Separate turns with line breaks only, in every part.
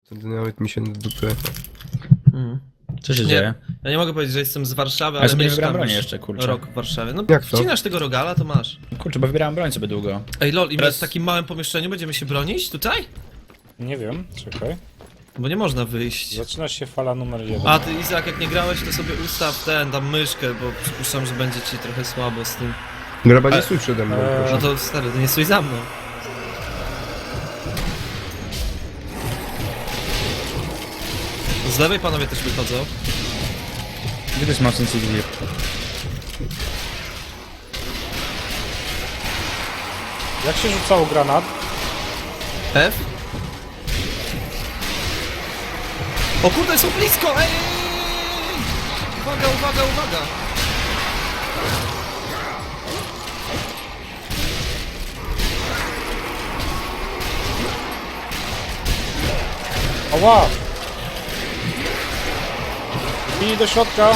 Wtedy nawet mi się na dupę.
Co się
Nie,
dzieje?
ja nie mogę powiedzieć, że jestem z Warszawy,
Ja
ale
sobie nie
mieszkam
wybrałem broni
już
jeszcze, kurczę.
rok w Warszawie. No
Jak to?
wcinasz tego rogala, to masz.
Kurczę, bo wybierałem broń sobie długo.
Ej lol, i my
Teraz-
w takim małym pomieszczeniu będziemy się bronić tutaj?
Nie wiem, czekaj.
Bo nie można wyjść.
Zaczyna się fala numer 1.
A ty Izak, jak nie grałeś, to sobie ustaw tam myszkę, bo przypuszczam, że będzie ci trochę słabo z tym.
Graba, nie stój przede mną,
No
proszę.
to stary, to nie stój za mną. Z lewej panowie też wychodzą.
Gdzie to jest mocny civil?
Jak się rzucało granat?
F? O kurde, są blisko! Ej, ej, ej, ej! Uwaga, uwaga, uwaga!
Ała! Bili do środka!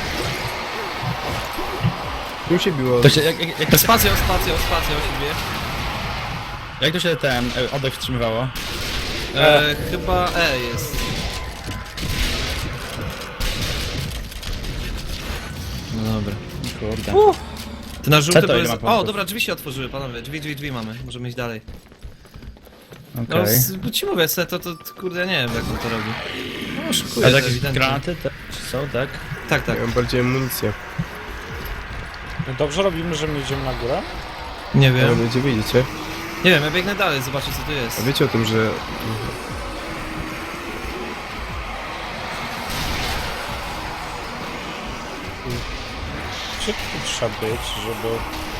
Tu się biło.
To się, jak to się,
Spacja, spacja, spacja o siebie.
jak to się ten oddech wstrzymywało?
Chyba E jest. No dobra.
Kurde.
Ty na
Co
żółty
to,
to
ile
jest...
ma punktów?
O, dobra, drzwi się otworzyły, panowie. Drzwi mamy. Możemy iść dalej.
Okej.
No, bo ci mówię, to kurde, ja nie wiem, jak on to robi. No, szykuje
A
to
jakieś
ewidentnie.
granaty te są, tak?
Tak, tak.
Ja mam bardziej amunicję.
No dobrze robimy, że my idziemy na górę?
Nie
Ale
wiem.
będzie widzicie.
Nie wiem, ja biegnę dalej, zobaczę co tu
A
jest.
wiecie o tym, że...
Gdzie tu trzeba być, żeby...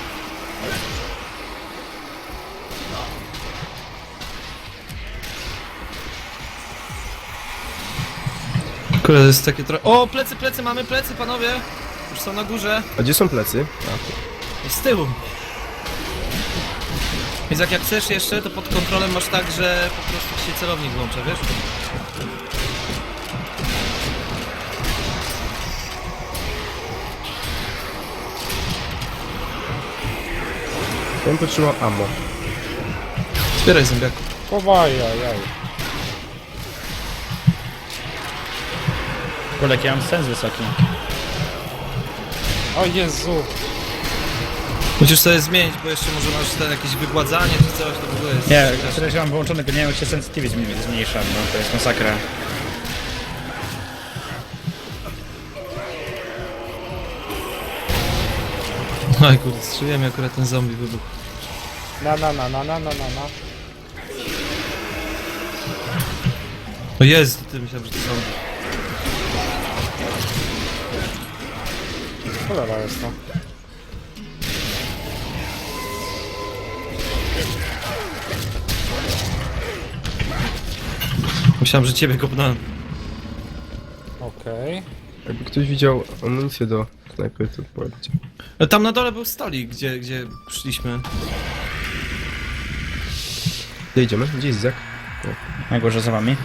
Kurde, to jest takie trochę... O, plecy, mamy plecy, panowie! Już są na górze.
A gdzie są plecy?
Z tyłu. Więc jak chcesz jeszcze, to pod kontrolą masz tak, że po prostu się celownik włącza, wiesz?
Ja bym potrzebował ammo.
Zbieraj zębiaku.
Chowaj, jaj.
Kurde, jaki ja mam sens wysoki.
O Jezu!
Musisz sobie zmienić, bo jeszcze może masz ten jakieś wygładzanie czy coś, to w ogóle jest...
Nie, teraz mam wyłączony, tylko nie wiem jak się sensitivity zmniejsza, no to jest masakra.
Oj kurde, strzeliłem mi akurat ten zombie wybuch.
Na.
O Jezu, ty myślałem, że to zombie.
Cholera jest to.
Myślałem, że ciebie kopnąłem.
Okej.
Jakby ktoś widział amunicję do snajpy, to powiedzcie.
Tam na dole był stolik, gdzie szliśmy.
Gdzie idziemy? Gdzie jest Izak?
Na górze za wami.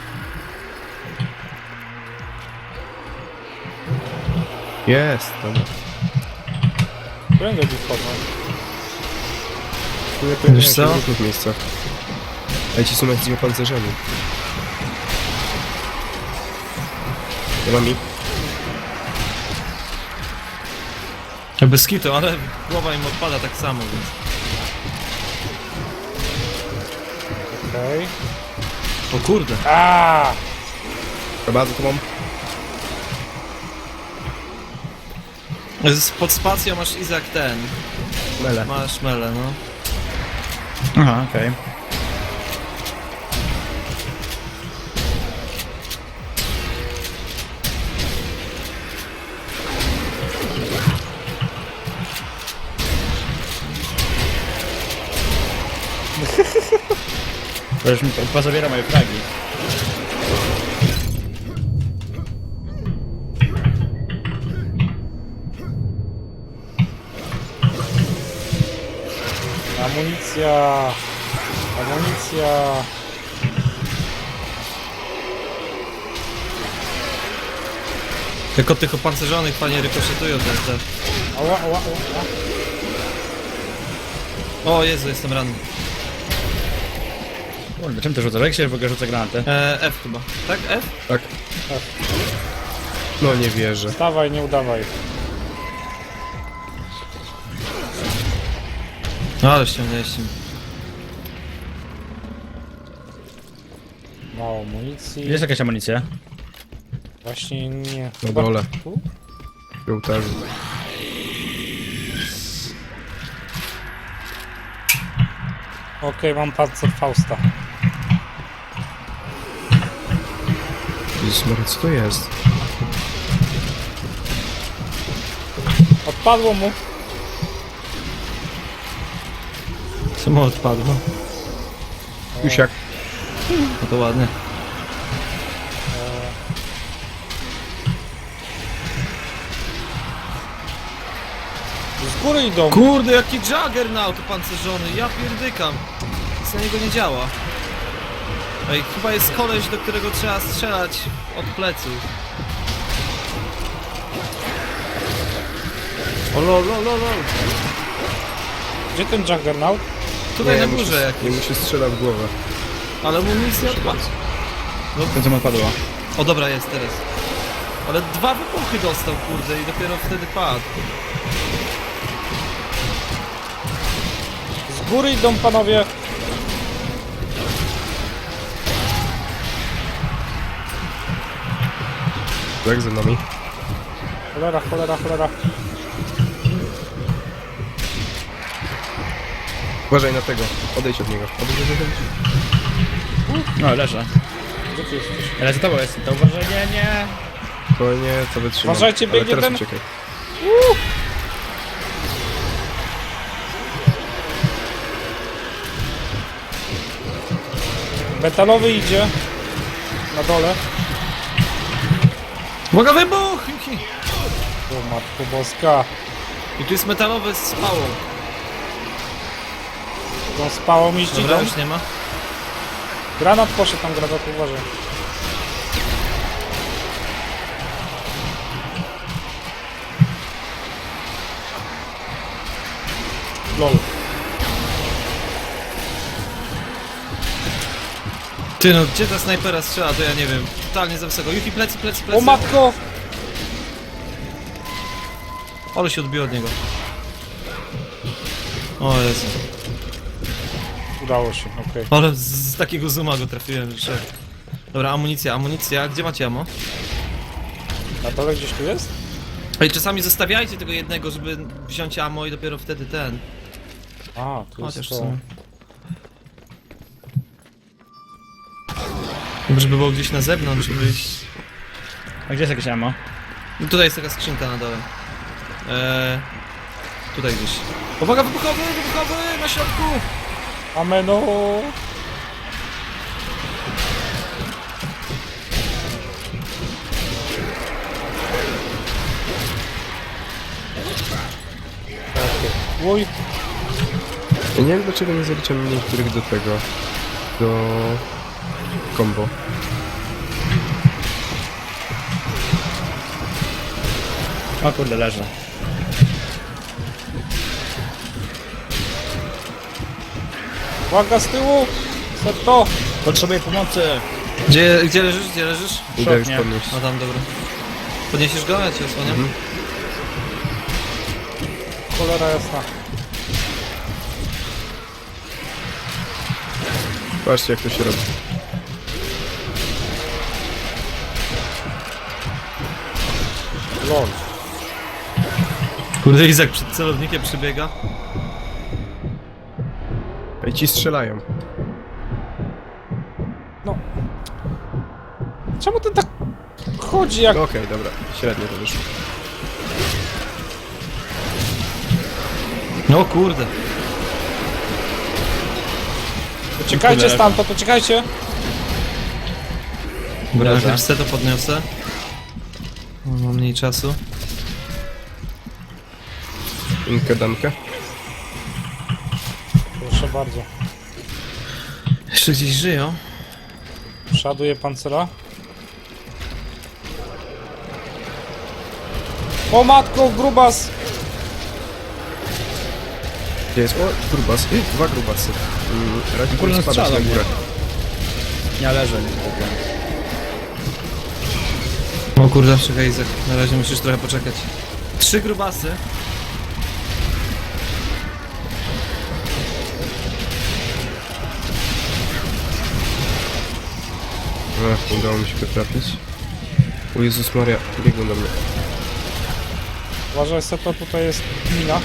Jest, dobra.
Prędzej tu wchodzą.
Tu lepiej
Wiesz co?
w różnych miejscach. Ale ci są jacyś opancerzeni. Nie mam ich.
Bez kitu, ale głowa im odpada tak samo, więc...
Okej.
O kurde.
Aaaa!
Chyba za tobą.
Pod spacją masz Izak ten.
Mele.
Masz mele, no.
Aha, okej. To już mi pozabiera moje fragi.
Amunicja! Amunicja!
Jak od tych opancerzonych panie rykoszetują te.
Ała.
O Jezu, jestem ranny.
Kurde, czym to rzuca? Jak się w ogóle rzuca granaty?
F chyba. Tak? F?
Tak. No nie wierzę.
Dawaj, nie udawaj.
No ale ściągnęliście.
Mało amunicji.
Jest jakaś amunicja?
Właśnie nie.
Na
Chyba
dole.
tu?
W ołtarzu.
Okej, mam pancer Fausta.
Jezus Maria, co to jest?
Odpadło mu.
Samo odpadło.
Jusiak.
No to ładnie.
Z góry idą.
Kurde, jaki Juggernaut opancerzony, ja pierdykam. Nic na niego nie działa. Ej, chyba jest koleś, do którego trzeba strzelać od pleców. O lol, lol, lol, lol.
Gdzie ten Juggernaut?
Tutaj na
mu się-
górze jak.
Nie mu się strzela w głowę.
Ale mu nic nie odpadł.
Ten co mu odpadło.
O dobra, jest teraz. Ale 2 wybuchy dostał, kurde, i dopiero wtedy padł.
Z góry idą panowie.
Tak, za nami.
Cholera, cholera, cholera.
Uważaj na tego. Odejdź od niego. Odejdź, odejdź, odejdź.
No, leżę.
Gdzie ty jesteś?
Ale za tobą jest, to uważaj, nie.
Spokojnie, co wytrzymam.
Uważajcie,
Ale
biegnie
teraz
ten-
uciekaj.
Metalowy idzie. Na dole.
Uwaga, wybuch!
O matko boska.
I tu jest metalowy z spałą.
Tą spałą iść
Dobra,
idą.
już nie ma.
Granat poszedł tam, granat, uważaj. LOL.
Ty no, gdzie ta snajpera strzela, to ja nie wiem. Totalnie za wysoko. Yuki, plecy, plecy, plecy.
O matko!
Ale się odbiło od niego. O Jezu.
Udało się, okej.
Ale z takiego zooma go trafiłem, że... Dobra, amunicja, amunicja. Gdzie macie ammo?
Na dole gdzieś tu jest?
Ej, czasami zostawiajcie tego jednego, żeby wziąć ammo i dopiero wtedy ten.
A, tu jest
Chociaż
to.
są. Żeby było gdzieś na zewnątrz, byś...
A gdzie jest jakieś ammo?
No tutaj jest taka skrzynka na dole. Tutaj gdzieś. Uwaga, wybuchowy, wybuchowy, na środku!
Ameno! Oj,
Ja nie wiem dlaczego nie zaliczam niektórych do tego. Do... combo.
O kurde, leżę.
uwaga z tyłu! Seto!
Potrzebuję pomocy.
Gdzie leżysz, gdzie leżysz?
Idę już
nie.
podnieść.
A tam, dobra. Podniesiesz go? Ja cię osłaniam.
Cholera jasna.
Patrzcie jak to się robi.
LOL.
Kurde, Izak przed celownikiem przybiega.
Ej, ci strzelają.
No. Czemu ten tak chodzi jak...
No okej, dobra. Średnio to wyszło.
No kurde.
Uciekajcie
Kurde.
stamtąd, uciekajcie!
Dobra,
Dobra.
jak chcę to podniosę. O, mam mniej czasu.
Inkę damkę.
Proszę bardzo.
Jeszcze gdzieś żyją.
Przeładuje pancera. O matko, grubas!
Gdzie jest? O, grubas. 2 grubasy. Radzi
Kurde,
spadać na
strzelam,
górę.
Ja leżę, nie kupię.
O kurde, czekaj Izak, na razie musisz trochę poczekać. 3 grubasy.
Ach, nie udało mi się go trafić. O Jezus Maria, biegną do mnie.
Uważaj, Seto, tutaj jest mina.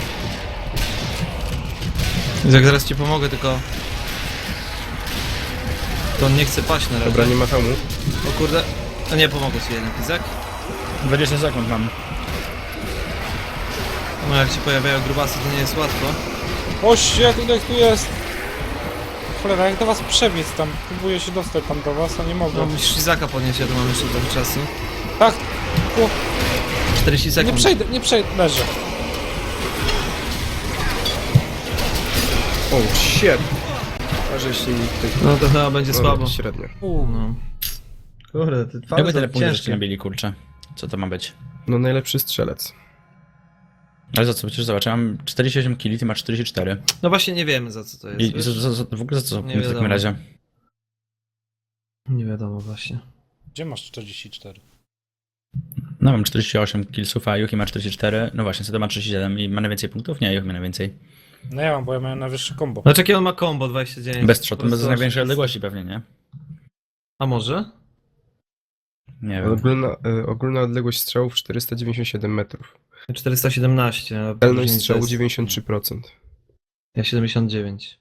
Izak, zaraz ci pomogę, tylko... To on nie chce paść na razie.
Dobra, nie ma hamu.
O kurde, a nie, pomogę ci jednak, Izak.
20 sekund mam.
No jak się pojawiają grubasy, to nie jest łatwo.
Oście, ile tu jest? Cholera, jak do was przebiec tam? Próbuję się dostać tam do was, a nie mogę.
No musisz Izaka podnieść, ja tu mam jeszcze trochę czasu.
Tak,
40 sekund.
nie przejdę, leżę.
O, shit! A żeś mi tutaj...
No to chyba będzie słabo.
Średnio.
No. Kurde, te
Jakby tyle
twarze
punktów żeście
ciężkie.
nabili, kurczę. Co to ma być?
No najlepszy strzelec.
Ale za co? Przecież zobacz, ja mam 48 kili, ty masz 44.
No właśnie nie wiemy za co to jest.
I
wiesz?
w ogóle za co
Nie
w takim
wiadomo.
razie?
Nie wiadomo właśnie.
Gdzie masz 44?
No mam 48 killsów, a Yuki ma 44. No właśnie, co to ma 37 i ma najwięcej punktów? Nie, Yuki ma najwięcej.
No ja mam, bo ja miałem najwyższy combo.
Znaczy jakie on ma combo 29?
Bez shotu,
Po
bez
prostu
największej
oszust.
odległości pewnie, nie?
A może?
Nie wiem.
Ogólna odległość strzałów 497 metrów.
417. a
Celność
później
strzału
to jest-
93%.
Ja 79.